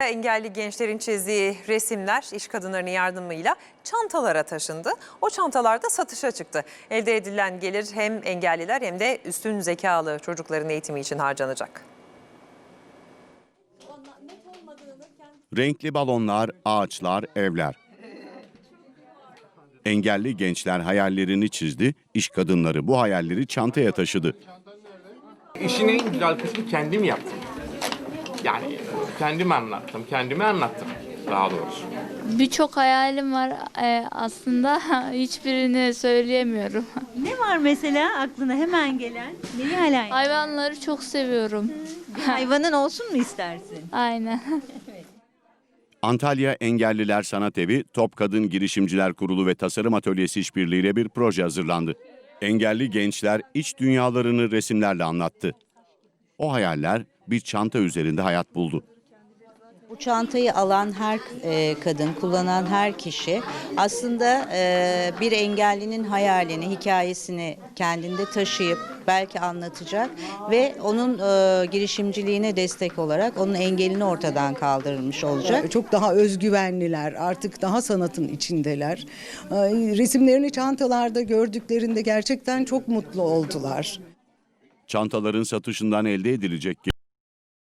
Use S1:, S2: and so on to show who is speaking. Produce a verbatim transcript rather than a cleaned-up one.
S1: Engelli gençlerin çizdiği resimler iş kadınlarının yardımıyla çantalara taşındı. O çantalar da satışa çıktı. Elde edilen gelir hem engelliler hem de üstün zekalı çocukların eğitimi için harcanacak.
S2: Renkli balonlar, ağaçlar, evler. Engelli gençler hayallerini çizdi, iş kadınları bu hayalleri çantaya taşıdı.
S3: İşin en güzel kısmı kendim yaptım. Yani kendim anlattım, kendime anlattım daha doğrusu.
S4: Birçok hayalim var Ee, aslında hiçbirini söyleyemiyorum.
S5: Ne var mesela aklına hemen gelen? Neyi hayal?
S4: Hayvanları çok seviyorum.
S5: Bir hayvanın olsun mu istersin?
S4: Aynen.
S2: Antalya Engelliler Sanat Evi, Top Kadın Girişimciler Kurulu ve Tasarım Atölyesi işbirliğiyle bir proje hazırlandı. Engelli gençler iç dünyalarını resimlerle anlattı. O hayaller bir çanta üzerinde hayat buldu.
S6: Bu çantayı alan her e, kadın, kullanan her kişi aslında e, bir engellinin hayalini, hikayesini kendinde taşıyıp belki anlatacak ve onun e, girişimciliğine destek olarak onun engelini ortadan kaldırılmış olacak.
S7: Çok daha özgüvenliler, artık daha sanatın içindeler. Resimlerini çantalarda gördüklerinde gerçekten çok mutlu oldular.
S2: Çantaların satışından elde edilecek